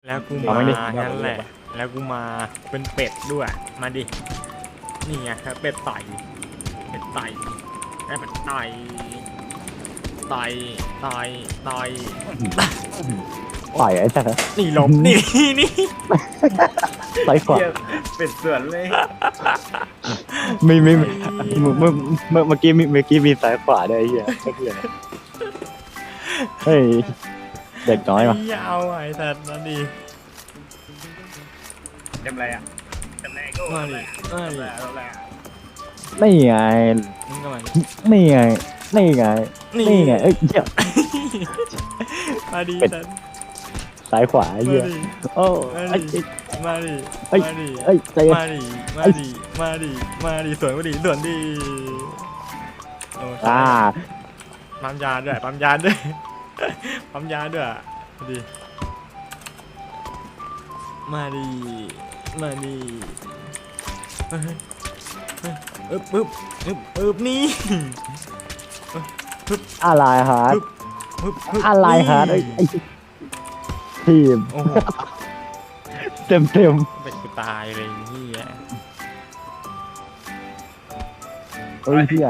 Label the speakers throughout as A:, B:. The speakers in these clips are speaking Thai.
A: แล้วกูมางั้นแหละแล้วกูมาเป็นเป็ดด้วยมาดินี่ไงครับเป็ดไต่เป็ดไต่เป็ดไต่ไต่ไต่ไต่
B: ต่อยไอ้สัส
A: นี่หลบนี่นี่
B: ต่อยขวา
C: เป็ดสวนเลย
B: ไม่เมื่อกี้มีซ้ายขวาด้วยไอ้เหี้ยเฮ้ยเด็กน้อยมา
A: ยาวไอ้สัตว์นั่นดิ
C: จำไรอ่ะจำไรก็
A: มาดิมาดิ
C: แล้วแหละ
B: นี่ไง
A: มึงก็มาดิ
B: นี่ไงนี่ไงนี่ไงเอ้ยเหี้ย
A: มาดิ
B: เป็ด
A: สัตว์
B: ซ้ายขวาไอ้
A: มา
B: เหี้ย
A: ดิ
B: โอ้
A: มาดิมาดิ
B: เอ้ย
A: มาดิ
B: เอ้ยใจเย็น
A: มาดิมาดิมาดิมาดิสวนมาดิสวนดิโอ้
B: อ่า
A: ปั๊มยาด้วยปั๊มยาด้วยปั๊มยาด้วยมาดิมาดิมาดิอึ๊บอึ๊บอึ๊บอึ๊บนี่
B: อะไรฮะ
A: อึ๊บอึ๊บอึ๊บ
B: อะไรฮะไอ้ทีม
A: โอ้โห
B: เต็ม
A: เป็นกูตายเลยนี่อ่ะ
B: เฮ้ยเหี้ย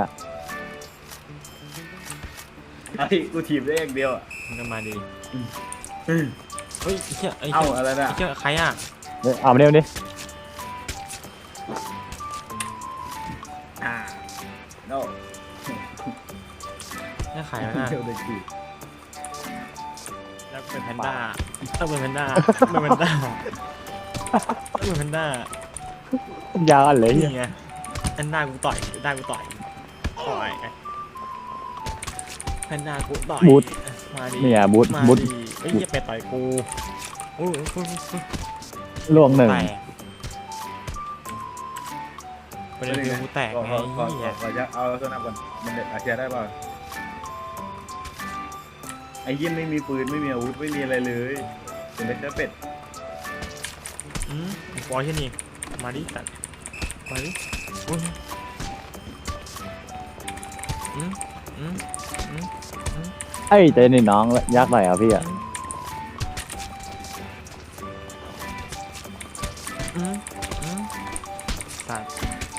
C: ไอ้กูถีบได้อย่างเดียวอ่ะ
A: มันก็มาดิเฮ้ยไอ้เชี่ยไอ้
C: เอ้า
A: เชี่ย
C: อะไรน่ะ
A: ไอ้เชี่ยใครอ่ะ
B: เอามาเร็วดิ
C: โน่
A: นี่ใครวะน่ะ
C: เดี๋ยวเด็กถีบ
A: แล้วเป็นแพนด้าต้องเป็นแพนด้าเป็นแพนด้าเป็นแพนด้าย
B: าวอะไร
A: นี่
B: เหี้ย
A: ไงแพนด้ากูต่อยได้กูต่อยแพนด้ากูต่อยมาดิ
B: เนี่ยบูท
A: มา
B: บูท
A: ดิเฮ้ยอย่าไปต่อยกูโอ้ย
B: ล่วงหนึ่ง
A: แตกประเด็นคือกูแตกไง
C: ขอ
A: เหี้ย
C: จะเอาตัวนับก่อนมันเด็ดอาเชียได้ป่ะไอ้ยิ้มไม่มีปืนไม่มีอาวุธไม่มีอะไรเลยเป็นเด็กเป็ด
A: ปล่อยแค่นี้มาดิสัตว์มาดิอุ้ยอืม
B: เอ้ยใจนี่น้องยักษ์หน่อยอ่ะพี่อ่ะ
A: สัตว์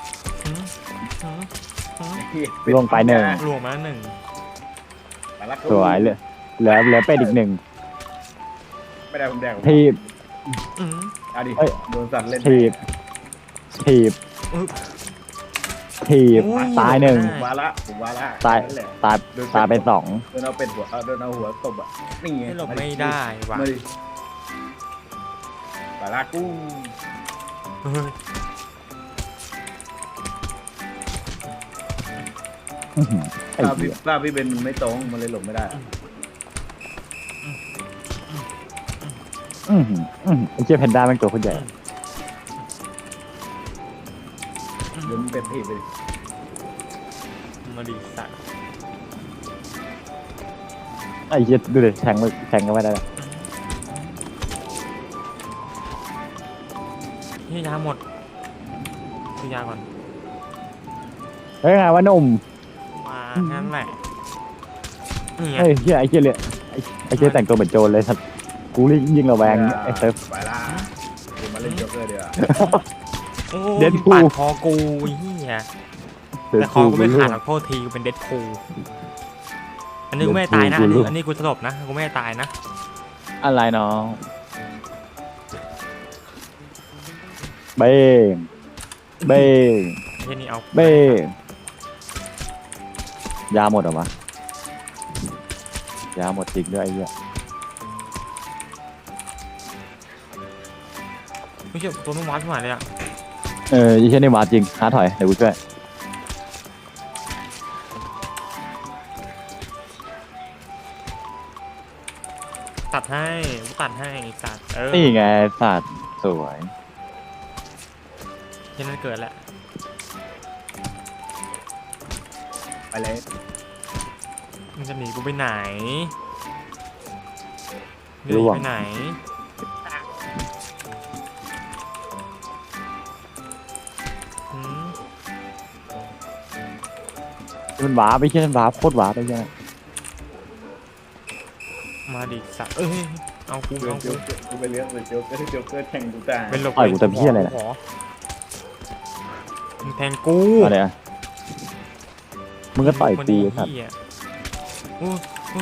B: ลงไปหนึ่ง
A: รวมมาหนึ่ง
B: สวยเลยเหลือเป็ดอีกหนึ่ง
C: ไม่ได้ผมแดง
B: ทีบ
C: เอาดิ
B: เอ้ย
C: โดนสัตว์เล่น
B: ทีบทีบทีบตายหนึ่ง
C: ผมว่าละผมว่าละ
B: ตาย
C: นั่นแหละ
B: ตายเป็นสอง
C: โดนเอาเป็ดหัวโดนเอาหัวตบอ่ะนี่ไง
A: ไม่หลบไม่ได้ว่ะ
C: มาดิปลากู
B: ไอ้
C: ภาพ
B: เหี้
C: พี่
B: ย
C: ภาพพี่เบนมันไม่ตรงมันเลยหลบไม่ได้อะ
B: ไอ้เจ้าแพนด้าเป็นตัวคนใหญ่
C: เดี๋ยวมันเป็ดถีบไปดิ
A: มาดิสัตว์
B: ไอ้เจ้าดูดิแทงกันไม่ได้
A: นี่ยาหมดคือยาก่อน
B: เฮ้ยไงวะหนุ่ม
A: มางั้นแหละนี่ไง
B: เฮ้ยเหี้ยไอ้เจ้าเลยไอ้เจ้าแต่งตัวเหมือนโจรเลยสัตว์กูยิ่งระแวงไอ้เซิร์ฟ
C: ไปละกูมาเล่นโจ๊กเกอร์เดี๋ยวา
A: โอ้
B: เด็ดพู
A: ปาดคอกูเฮียแต่คอกูไม่ขาดหรอกโทษทีกูเป็นเด็ดพูอันนี้กูไม่ตายนะอันนี้กูสลบนะกูไม่ตายนะ
B: อะไรน้องเบ้งเบ้ง
A: แค่นี้เอา
B: เบ้งยาหมดเหรอวะยาหมดจริงด้วยไอ้เหี้ย
A: ไม่เชื่อตัวไม่วัดขึ้นมาเลยอ่ะ
B: ยี่เช่นนี่มาจริงหาถอยเดี๋ยวกูช่วย
A: ตัดให้กูตัดให้สัตว์
B: นี่ไงสัตว์สวย
A: แค่นั้นเกิดแล้ว
C: ไปเลย
A: มันจะหนีกูไปไหนหนีไปไหนอืม
B: มันหวาไปเช่นหวาโคตรหวาไปใช่ไหม
A: มาดิสัตว์เอากู
C: เดิน
A: เอา
C: โจ๊
A: กู
C: กกูไปเลี้ยงเลยโจ๊กเกอร์แทงกูตาย
A: เป็นหลบ
B: ต่อยกูแต่พี่อะไรเนี่ย
A: ขอมึงแทงกู
B: อะไรอ่ะมึงก็ต่อยกูครับ
A: เหี้ยอู้อู้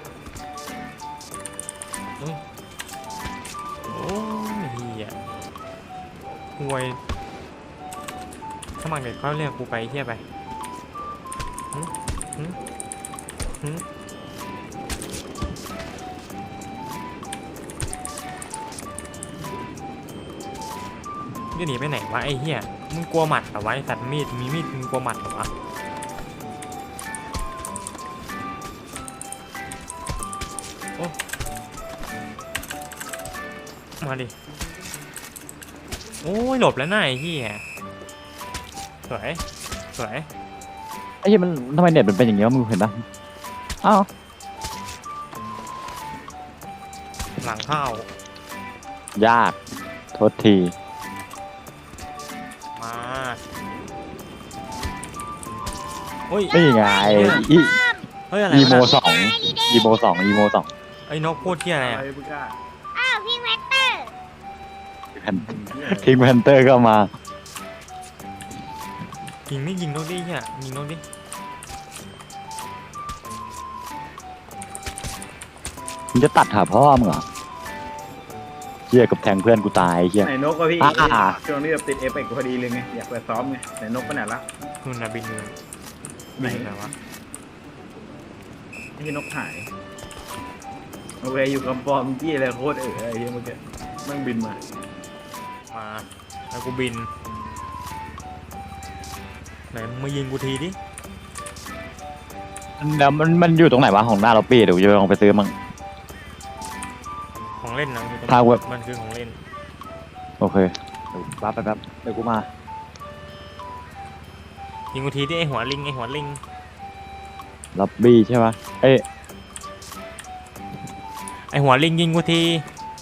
A: อู้โอ้ยเหี้ยห่วยสมัครเด็กเขาเรียกกูไปเหี้ยไปหึหึหึจะหนีไปไหนวะไอ้เหี้ยมึงกลัวหมัดเหรอวะไอ้สัตว์มีดมีมีดมึงกลัวหมัดเหรอวะโอ้มาดิโอ้ยหลบแล้วน่าไอ้เหี้ยสวยสวย
B: ไอ้เหี้ยมันทำไมเน็ตมันเป็นอย่างเงี้ยวะมึงเห็นปะอ้าว
A: หลังเข้าย
B: ากโทษที
A: มาโอ้ย
B: นี่ไงอี
A: เฮ้ยอะไร
B: อี
A: วะ
B: โม
A: น่ะ
B: สองอีโมสองอีโมสอง
A: ไอ้นกพูดที่อะไร
C: อะไร
A: อ่ะ
C: มึงกล้า
D: อ้าวพี่แม็กเตอร์
B: พิงแพนเตอร์ก็มา
A: ยิงไม่ยิงนกดิเหี้ยยิงนกดิ
B: มึงจะตัดหาพ่อมึงเหรอเหี้ยกับแทงเพื่อนกูตายเหี้ย
C: ไหนนกวะพี่
B: อ่า
C: ช่วงนี้แบบติดเอฟเฟกต์พอดีเลยไงอยากไปซ้อมไงไหนนกไปไหนละ
A: นู่นนะบินอยู่
C: ไหน
A: บินไหนวะ
C: ที่นกหายโอเคอยู่กับปอมจี้อะไรโคตรไอ้เหี้ยเมื่อกี้มั่งบินมา
A: มาแล้วกูบินไหนมึงมายิงกูทีดิ
B: แล้วมันอยู่ตรงไหนวะของหน้าเราปี้เดี๋ยวกูจะลองไปซื้อมั่ง
A: ของเล่นนะอยู่ตรง
B: พาเว็บ
A: มันคือของเล่น
B: โอเคเดี๋ยวแป๊บเดี๋ยวกูมา
A: ยิงกูทีดิไอหัวลิงไอหัวลิง
B: ล็อบบี้ใช่ปะเอ้ย
A: ไอหัวลิงยิงกูที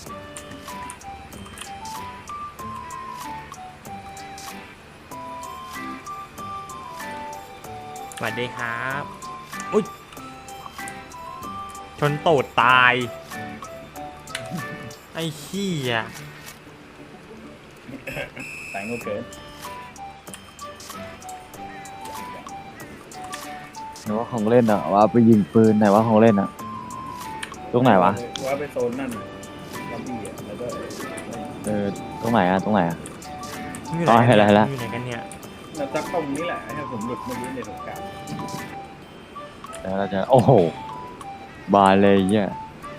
A: สวัสดีครับอุ้ยชนตูดตายไอ้เหี้ย
C: สายงูเกิน
B: ไหนว่าของเล่นอ่ะว่าไปยิงปืนไหนว่าของเล่นอ่ะตรงไหนวะ
C: ว่าไปโซนนั่นน่ะล็อบบี้อ่ะแล้วก็
B: ตรงไหนอ่ะตรงไหนอ่ะ
A: มึงอยู่
B: อ๋อ
A: ไหน
B: เห็นแล้วเห็นแล้ว
A: มึงอยู่ไหนกันเนี่ย
C: แล้วซักตรงนี้แหละให้ผมหลุดเมื่อกี้ในสงกราร
B: แล้วเราจะโอ้โหบานเลยเหี้ย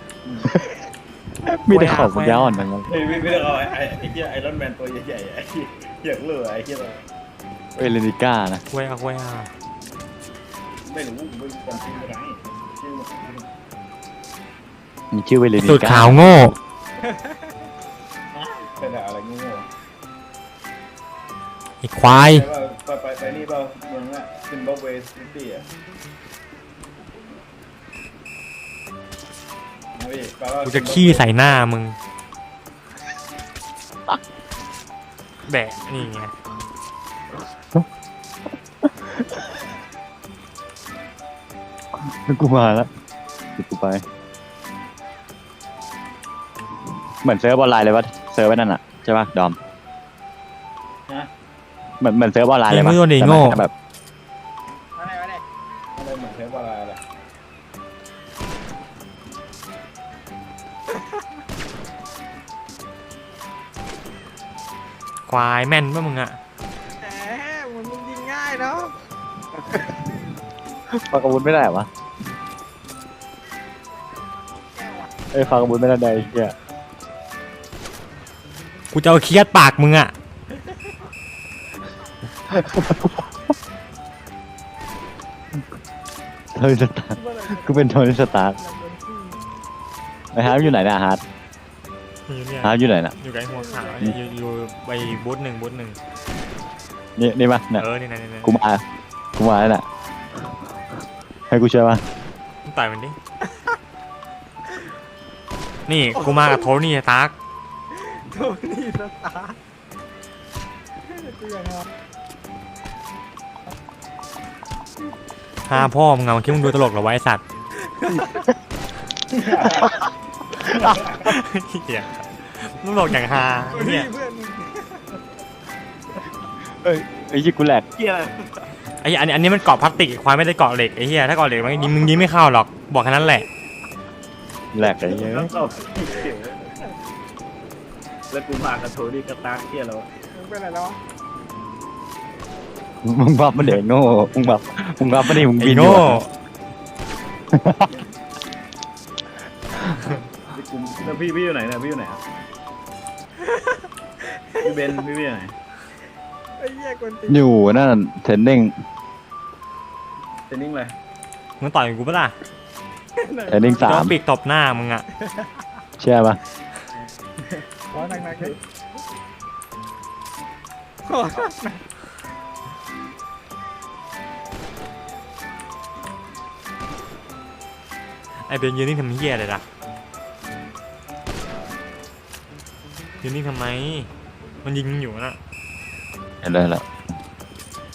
B: มีแต่ของปัญญาอ่อนทั้งนั้น
C: เฮ้ยไม่ได้เอาไอ้เหี้ยไอรอนแมนตัวใหญ่ๆไอ้เหี้ยเหลือไอ้เหี้ย
B: เอเลนิก้านะ
A: ควยอะควยอะ
C: ไม่รู้ไม่จำชื่อไม่ได้ชื่อ
B: มีชื่อเวเลนิ
A: สุด
B: ก้า
A: ขาวโง่
C: เป็นอะไรงู
A: ไอ้ควาย
C: ไปนี่เปล่าเมืองละซิมบับเวซิตี้อ่ะ
A: กูจะขี้ใส่หน้ามึงแบะนี่ไง
B: กูมาแล้วเดี๋ยวกูไป เหมือนเซิร์ฟออนไลน์เลยปะเซิร์ฟไว้นั่นอ่ะใช่ปะดอม
C: ฮะ
B: เหมือนเซิร์ฟออนไลน์เลยปะ
A: ยิงไม่โดนดิโง่
B: แต่แบบ
C: อะไรเหมือนเทปอะไรล่ะ
A: ควายแม่นป่ะมึงอะ
E: มึงยิงง่ายเนาะ
B: ฟังอาวุธไม่ได้เหรอวะฟังอาวุธไม่ได้ใดเหี้ย
A: กูจะเอาเคียดปากมึงอะ
B: โทนี่สตาร์กูเป็นโทนี่สตาร์ไอ้ฮาร์ดอยู่ไหนเนะฮาร์ด
A: อยู่เนี่ย
B: ฮาร์ดอยู่ไหนน่ะ
A: อยู่ไกลหัวขาวอยู่ไปบูธหนึ่ง
B: นี่ปะเนี่ย
A: นี่นะนี่นะ
B: กูมาแล้วน่ะให้กูช่วยปะ
A: มึงต่อยมันดิ นี่กูมากับโทนี่ตาร์ก
E: โทนี่สตาร์กูยังไง
A: พาพ่อมึงเอาคิดมึงดูตลกเหรอไวะไอ้สัตว์เหี้ยมึงบอกอย่างฮา
E: นี่
A: เนี่ย
E: เพื่อน
B: เอ้ยไอ้ยี่กูแหลก
C: เหี้ยอะไร
A: ไอ้อันนี้มันเกาะพลาสติกควายไม่ได้เกาะเหล็กไอ้เหี้ยถ้าเกาะเหล็กมันยิงมึงยิงไม่เข้าหรอกบอกแค่นั้นแหละ
B: แหลกไอ้เหี้ย
C: แล้วตอบแล้วกูพากระโถนี่กระตากเหี้ยแล้ว
E: มึงเป็นอะไรแล้ววะ
B: มึงบับมันเด็กโง่มึงบับมันดิมึง
A: ไอ้
B: บินอยู่
A: โง่
B: อะ
C: แล้วพี่อยู่ไหนเนี่ยพี่อยู่ไหนอะพี่เบนพี่อยู่ไหน
E: ไอ้เหี้ยกวนตีน
B: อยู่นั่นเทรนนิ่ง
C: เทรนนิ่งเลย
A: มึงต่อยกับกูปะล่ะ
B: เทรนนิ่งสา
A: โด
B: ม
A: นปีกตบหน้ามึงอะ
B: เชื่อปะ
E: ขอหนักๆเลยขอหนัก
A: ไอ้เบนยืนนิ่งทำเหี้ยอะไรล่ะยืนนิ่งทำไมมันยิงมึงอยู่นะ
B: เห็นเลยละ